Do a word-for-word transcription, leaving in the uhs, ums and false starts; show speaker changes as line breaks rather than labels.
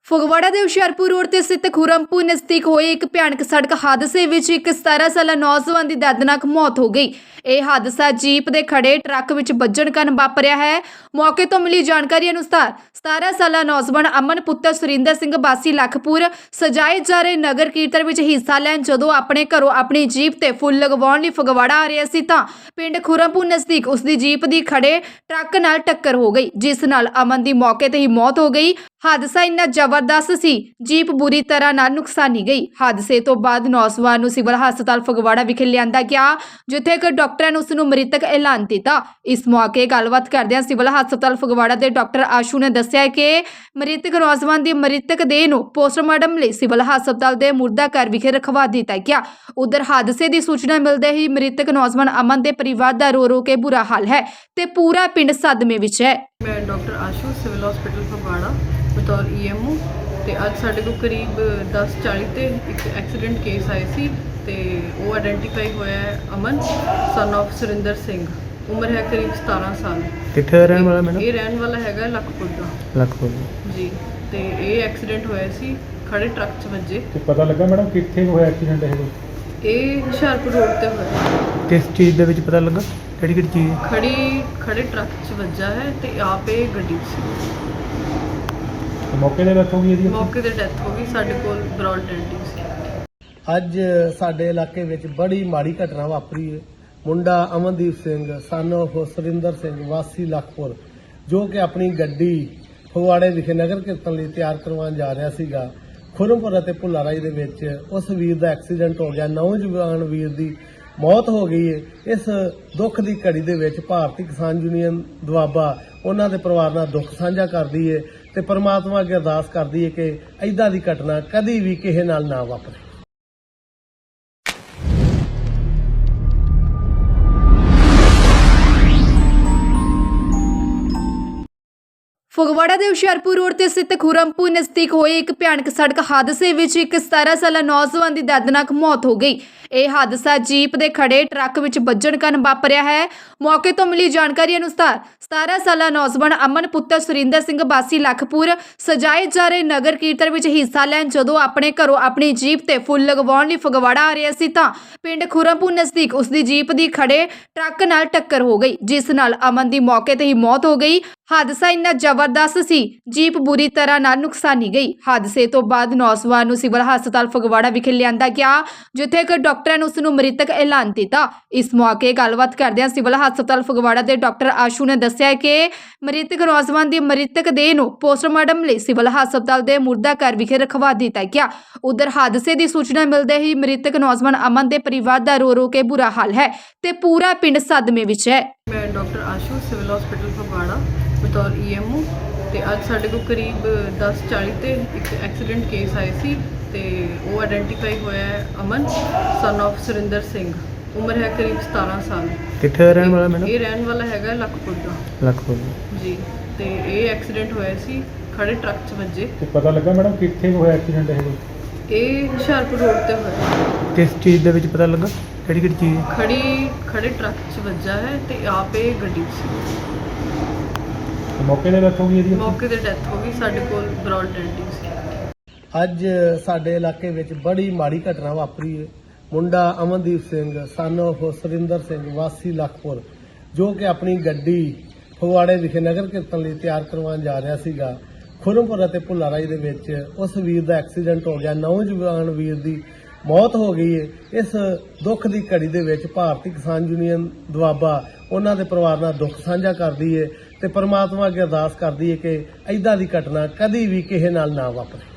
ਫਗਵਾੜਾ ਦੇ ਹੁਸ਼ਿਆਰਪੁਰ ਰੋਡ ਤੇ ਸਥਿਤ ਖੁਰਮਪੁਰ ਨਜ਼ਦੀਕ ਹੋਏ ਇੱਕ ਭਿਆਨਕ ਸੜਕ ਹਾਦਸੇ ਵਿੱਚ ਇੱਕ ਸਤਾਰਾਂ ਸਾਲਾ ਨੌਜਵਾਨ ਦੀ ਦਰਦਨਾਕ ਮੌਤ ਹੋ ਗਈ। ਇਹ ਹਾਦਸਾ ਜੀਪ ਦੇ ਖੜੇ ਟਰੱਕ ਵਿੱਚ ਵੱਜਣ ਕਾਰਨ ਵਾਪਰਿਆ ਹੈ। ਮੌਕੇ ਤੋਂ ਮਿਲੀ ਜਾਣਕਾਰੀ ਅਨੁਸਾਰ ਸਤਾਰਾਂ ਸਾਲਾ ਨੌਜਵਾਨ ਅਮਨ ਪੁੱਤਰ ਸੁਰਿੰਦਰ ਸਿੰਘ ਵਾਸੀ ਲਖਪੁਰ ਸਜਾਏ ਜਾ ਰਹੇ ਨਗਰ ਕੀਰਤਨ ਵਿੱਚ ਹਿੱਸਾ ਲੈਣ ਜਦੋਂ ਆਪਣੇ ਘਰੋਂ ਆਪਣੀ ਜੀਪ ਤੇ ਫੁੱਲ ਲਗਵਾਉਣ ਲਈ ਫਗਵਾੜਾ ਆ ਰਿਹਾ ਸੀ ਤਾਂ ਪਿੰਡ ਖੁਰਮਪੁਰ ਨਜ਼ਦੀਕ ਉਸ ਦੀ ਜੀਪ ਦੀ ਖੜੇ ਟਰੱਕ ਨਾਲ ਟੱਕਰ ਹੋ ਗਈ, ਜਿਸ ਨਾਲ ਅਮਨ ਦੀ ਮੌਕੇ ਤੇ ਹੀ ਮੌਤ ਹੋ ਗਈ। ਹਾਦਸਾ ਇੰਨਾ ਜ਼ਬਰਦਸਤ ਸੀ, ਜੀਪ ਬੁਰੀ ਤਰ੍ਹਾਂ ਨਾਲ ਨੁਕਸਾਨੀ ਗਈ। ਹਾਦਸੇ ਤੋਂ ਬਾਅਦ ਨੌਜਵਾਨ ਨੂੰ ਸਿਵਲ ਹਸਪਤਾਲ ਫਗਵਾੜਾ ਵਿਖੇ ਲਿਆਂਦਾ ਗਿਆ, ਜਿੱਥੇ ਇੱਕ ਡਾਕਟਰਾਂ ਨੇ ਉਸ ਨੂੰ ਮ੍ਰਿਤਕ ਐਲਾਨ ਦਿੱਤਾ। ਇਸ ਮੌਕੇ ਗੱਲਬਾਤ ਕਰਦਿਆਂ ਸਿਵਲ ਹਸਪਤਾਲ ਫਗਵਾੜਾ ਦੇ ਡਾਕਟਰ ਆਸ਼ੂ ਨੇ ਦੱਸਿਆ ਕਿ ਮ੍ਰਿਤਕ ਨੌਜਵਾਨ ਦੀ ਮ੍ਰਿਤਕ ਦੇਹ ਨੂੰ ਪੋਸਟਮਾਰਟਮ ਲਈ ਸਿਵਲ ਹਸਪਤਾਲ ਦੇ ਮੁਰਦਾ ਘਰ ਵਿਖੇ ਰਖਵਾ ਦਿੱਤਾ ਗਿਆ। ਉਧਰ ਹਾਦਸੇ ਦੀ ਸੂਚਨਾ ਮਿਲਦੇ ਹੀ ਮ੍ਰਿਤਕ ਨੌਜਵਾਨ ਅਮਨ ਦੇ ਪਰਿਵਾਰ ਦਾ ਰੋ ਰੋ ਕੇ ਬੁਰਾ ਹਾਲ ਹੈ ਤੇ ਪੂਰਾ ਪਿੰਡ ਸਦਮੇ ਵਿੱਚ ਹੈ।
ਮੈਂ doctor Ashu civil hospital Phagwara ਬਤੌਰ ਈ ਐਮ ਓ ਤੇ ਅੱਜ ਸਾਡੇ ਕੋਲ ਕਰੀਬ ਦਸ ਚਾਲੀ ਤੇ ਇੱਕ ਐਕਸੀਡੈਂਟ ਕੇਸ ਆਏ ਸੀ ਤੇ ਉਹ ਆਇਡੈਂਟੀਫਾਈ ਹੋਇਆ ਹੈ ਅਮਨ ਸਨ ਆਫ ਸੁਰਿੰਦਰ ਸਿੰਘ, ਉਮਰ ਹੈ ਕਰੀਬ ਸਤਾਰਾਂ ਸਾਲ।
ਕਿੱਥੇ ਰਹਿਣ ਵਾਲਾ ਮੈਡਮ?
ਇਹ ਰਹਿਣ ਵਾਲਾ ਹੈਗਾ ਲਖਪੁਰ ਦਾ।
ਲਖਪੁਰ
ਜੀ, ਤੇ ਇਹ ਐਕਸੀਡੈਂਟ ਹੋਇਆ ਸੀ ਖੜੇ ਟਰੱਕ 'ਚ ਵੱਜੇ।
ਤੇ ਪਤਾ ਲੱਗਾ ਮੈਡਮ ਕਿੱਥੇ ਹੋਇਆ ਐਕਸੀਡੈਂਟ? ਇਹ
ਇਹ ਹੁਸ਼ਿਆਰਪੁਰ ਰੋਡ ਤੇ ਹੋਇਆ।
ਕਿਸ ਚੀਜ਼ ਦੇ ਵਿੱਚ ਪਤਾ ਲੱਗਾ? ਕਿਹੜੀ ਕਿਹੜੀ ਚੀਜ਼?
ਖੜੀ ਖੜੇ ਟਰੱਕ 'ਚ ਵੱਜਾ ਹੈ ਤੇ ਆਪ ਇਹ ਗੱਡੀ 'ਚ ਸੀ।
ਮੌਕੇ ਤੇ ਡੈਥ ਹੋ ਗਈ ਇਹਦੀ?
ਮੌਕੇ ਤੇ ਡੈਥ ਹੋ ਗਈ। ਸਾਡੇ ਕੋਲ ਬਰੌਡ ਡੈਂਟਿੰਗ ਸੀ।
ਅੱਜ ਸਾਡੇ ਇਲਾਕੇ ਵਿੱਚ ਬੜੀ ਮਾੜੀ ਘਟਨਾ ਵਾਪਰੀ ਹੈ। ਮੁੰਡਾ ਅਮਨਦੀਪ ਸਿੰਘ ਸਨ ਆਫ ਸੁਰਿੰਦਰ ਸਿੰਘ ਵਾਸੀ ਲਖਪੁਰ, ਜੋ ਕਿ ਆਪਣੀ ਗੱਡੀ ਫਗਵਾੜੇ ਵਿਖੇ ਨਗਰ ਕੀਰਤਨ ਲਈ ਤਿਆਰ ਕਰਵਾਉਣ ਜਾ ਰਿਹਾ ਸੀਗਾ। ਖੁਰਮਪੁਰ ਅਤੇ ਭੁੱਲਾਰਾਈ ਦੇ ਵਿੱਚ ਉਸ ਵੀਰ ਦਾ ਐਕਸੀਡੈਂਟ ਹੋ ਗਿਆ। ਨੌਜਵਾਨ ਵੀਰ ਦੀ ਮੌਤ ਹੋ ਗਈ ਹੈ। ਇਸ ਦੁੱਖ ਦੀ ਘੜੀ ਦੇ ਵਿੱਚ ਭਾਰਤੀ ਕਿਸਾਨ ਯੂਨੀਅਨ ਦੁਆਬਾ ਉਹਨਾਂ ਦੇ ਪਰਿਵਾਰ ਨਾਲ ਦੁੱਖ ਸਾਂਝਾ ਕਰਦੀ ਹੈ ਤੇ ਪਰਮਾਤਮਾ ਅੱਗੇ ਅਰਦਾਸ ਕਰਦੀ ਹੈ ਕਿ ਐਦਾਂ ਦੀ ਘਟਨਾ ਕਦੀ ਵੀ ਕਿਸੇ ਨਾਲ ਨਾ ਵਾਪਰੇ।
ਫਗਵਾੜਾ ਦੇ ਹੁਸ਼ਿਆਰਪੁਰ ਰੋਡ ਤੇ ਸਥਿਤ ਖੁਰਮਪੁਰ ਨਜ਼ਦੀਕ ਹੋਏ ਇੱਕ ਭਿਆਨਕ ਸੜਕ ਹਾਦਸੇ ਵਿੱਚ ਇੱਕ ਸਤਾਰਾਂ ਸਾਲਾ ਨੌਜਵਾਨ ਦੀ ਦਰਦਨਾਕ ਮੌਤ ਹੋ ਗਈ। ਇਹ ਹਾਦਸਾ ਜੀਪ ਦੇ ਖੜੇ ਟਰੱਕ ਵਿੱਚ ਵੱਜਣ ਕਾਰਨ ਵਾਪਰਿਆ ਹੈ। ਮੌਕੇ ਤੋਂ ਮਿਲੀ ਜਾਣਕਾਰੀ ਅਨੁਸਾਰ ਸਤਾਰਾਂ ਸਾਲਾ ਨੌਜਵਾਨ ਅਮਨ ਪੁੱਤਰ ਸੁਰਿੰਦਰ ਸਿੰਘ ਵਾਸੀ ਲਖਪੁਰ ਸਜਾਏ ਜਾ ਰਹੇ ਨਗਰ ਕੀਰਤਨ ਵਿੱਚ ਹਿੱਸਾ ਲੈਣ ਜਦੋਂ ਆਪਣੇ ਘਰੋਂ ਆਪਣੀ ਜੀਪ ਤੇ ਫੁੱਲ ਲਗਵਾਉਣ ਲਈ ਫਗਵਾੜਾ ਆ ਰਿਹਾ ਸੀ ਤਾਂ ਪਿੰਡ ਖੁਰਮਪੁਰ ਨਜ਼ਦੀਕ ਉਸ ਦੀ ਜੀਪ ਦੀ ਖੜੇ ਟਰੱਕ ਨਾਲ ਟੱਕਰ ਹੋ ਗਈ, ਜਿਸ ਨਾਲ ਅਮਨ ਦੀ ਮੌਕੇ ਤੇ ਹੀ ਮੌਤ ਹੋ ਗਈ। ਹਾਦਸਾ ਇੰਨਾ ਜ਼ਬਰਦਸਤ ਸੀ, ਜੀਪ ਬੁਰੀ ਤਰ੍ਹਾਂ ਨਾਲ ਨੁਕਸਾਨੀ ਗਈ। ਹਾਦਸੇ ਤੋਂ ਬਾਅਦ ਨੌਜਵਾਨ ਨੂੰ ਸਿਵਲ ਹਸਪਤਾਲ ਫਗਵਾੜਾ ਵਿਖੇ ਲਿਆਂਦਾ ਗਿਆ, ਜਿੱਥੇ ਇੱਕ ਡਾਕਟਰਾਂ ਨੇ ਉਸ ਨੂੰ ਮ੍ਰਿਤਕ ਐਲਾਨ ਦਿੱਤਾ। ਇਸ ਮੌਕੇ ਗੱਲਬਾਤ ਕਰਦਿਆਂ ਸਿਵਲ ਹਸਪਤਾਲ ਫਗਵਾੜਾ ਦੇ ਡਾਕਟਰ ਆਸ਼ੂ ਨੇ ਦੱਸਿਆ ਕਿ ਮ੍ਰਿਤਕ ਨੌਜਵਾਨ ਦੀ ਮ੍ਰਿਤਕ ਦੇਹ ਨੂੰ ਪੋਸਟਮਾਰਟਮ ਲਈ ਸਿਵਲ ਹਸਪਤਾਲ ਦੇ ਮੁਰਦਾ ਘਰ ਵਿਖੇ ਰਖਵਾ ਦਿੱਤਾ ਗਿਆ। ਉਧਰ ਹਾਦਸੇ ਦੀ ਸੂਚਨਾ ਮਿਲਦੇ ਹੀ ਮ੍ਰਿਤਕ ਨੌਜਵਾਨ ਅਮਨ ਦੇ ਪਰਿਵਾਰ ਦਾ ਰੋ ਰੋ ਕੇ ਬੁਰਾ ਹਾਲ ਹੈ ਤੇ ਪੂਰਾ ਪਿੰਡ ਸਦਮੇ ਵਿੱਚ ਹੈ।
ਮੈਂ doctor Ashu civil hospital Phagwara ਬਤੌਰ ਈ ਐਮ ਓ ਤੇ ਅੱਜ ਸਾਡੇ ਕੋਲ ਕਰੀਬ ਦਸ ਚਾਲੀ ਤੇ ਇੱਕ ਐਕਸੀਡੈਂਟ ਕੇਸ ਆਏ ਸੀ ਤੇ ਉਹ ਆਇਡੈਂਟੀਫਾਈ ਹੋਇਆ ਹੈ ਅਮਨ ਸਨ ਆਫ ਸੁਰਿੰਦਰ ਸਿੰਘ, ਉਮਰ ਹੈ ਕਰੀਬ ਸਤਾਰਾਂ ਸਾਲ।
ਕਿੱਥੇ ਰਹਿਣ ਵਾਲਾ ਮੈਡਮ?
ਇਹ ਰਹਿਣ ਵਾਲਾ ਹੈਗਾ ਲਖਪੁਰ ਦਾ।
ਲਖਪੁਰ
ਜੀ, ਤੇ ਇਹ ਐਕਸੀਡੈਂਟ ਹੋਇਆ ਸੀ ਖੜੇ ਟਰੱਕ 'ਚ ਵੱਜੇ।
ਤੇ ਪਤਾ ਲੱਗਾ ਮੈਡਮ ਕਿੱਥੇ ਹੋਇਆ ਐਕਸੀਡੈਂਟ? ਇਹ
ਇਹ ਹੁਸ਼ਿਆਰਪੁਰ ਰੋਡ ਤੇ ਹੋਇਆ।
ਕਿਸ ਚੀਜ਼ ਦੇ ਵਿੱਚ ਪਤਾ ਲੱਗਾ? ਕਿਹੜੀ ਕਿਹੜੀ ਚੀਜ਼?
ਖੜੀ ਖੜੇ ਟਰੱਕ 'ਚ ਵੱਜਾ ਹੈ ਤੇ ਆਪ ਇਹ ਗੱਡੀ 'ਚ ਸੀ।
ਮੌਕੇ ਤੇ ਡੈਥ ਹੋ ਗਈ ਇਹਦੀ?
ਮੌਕੇ ਤੇ ਡੈਥ ਹੋ ਗਈ। ਸਾਡੇ ਕੋਲ ਬਰੌਡ ਡੈਂਟਿੰਗ ਸੀ।
ਅੱਜ ਸਾਡੇ ਇਲਾਕੇ ਵਿੱਚ ਬੜੀ ਮਾੜੀ ਘਟਨਾ ਵਾਪਰੀ ਹੈ। ਮੁੰਡਾ ਅਮਨਦੀਪ ਸਿੰਘ ਸਨ ਆਫ ਸੁਰਿੰਦਰ ਸਿੰਘ ਵਾਸੀ ਲਖਪੁਰ, ਜੋ ਕਿ ਆਪਣੀ ਗੱਡੀ ਫਗਵਾੜੇ ਵਿਖੇ ਨਗਰ ਕੀਰਤਨ ਲਈ ਤਿਆਰ ਕਰਵਾਉਣ ਜਾ ਰਿਹਾ ਸੀਗਾ। ਖੁਰਮਪੁਰ ਅਤੇ ਭੁੱਲਾਰਾਈ ਦੇ ਵਿੱਚ ਉਸ ਵੀਰ ਦਾ ਐਕਸੀਡੈਂਟ ਹੋ ਗਿਆ। ਨੌਜਵਾਨ ਵੀਰ ਦੀ ਮੌਤ ਹੋ ਗਈ ਹੈ। ਇਸ ਦੁੱਖ ਦੀ ਘੜੀ ਦੇ ਵਿੱਚ ਭਾਰਤੀ ਕਿਸਾਨ ਯੂਨੀਅਨ ਦੁਆਬਾ ਉਹਨਾਂ ਦੇ ਪਰਿਵਾਰ ਨਾਲ ਦੁੱਖ ਸਾਂਝਾ ਕਰਦੀ ਹੈ ਤੇ ਪਰਮਾਤਮਾ ਅੱਗੇ ਅਰਦਾਸ ਕਰਦੀ ਹੈ ਕਿ ਐਦਾਂ ਦੀ ਘਟਨਾ ਕਦੀ ਵੀ ਕਿਸੇ ਨਾਲ ਨਾ ਵਾਪਰੇ।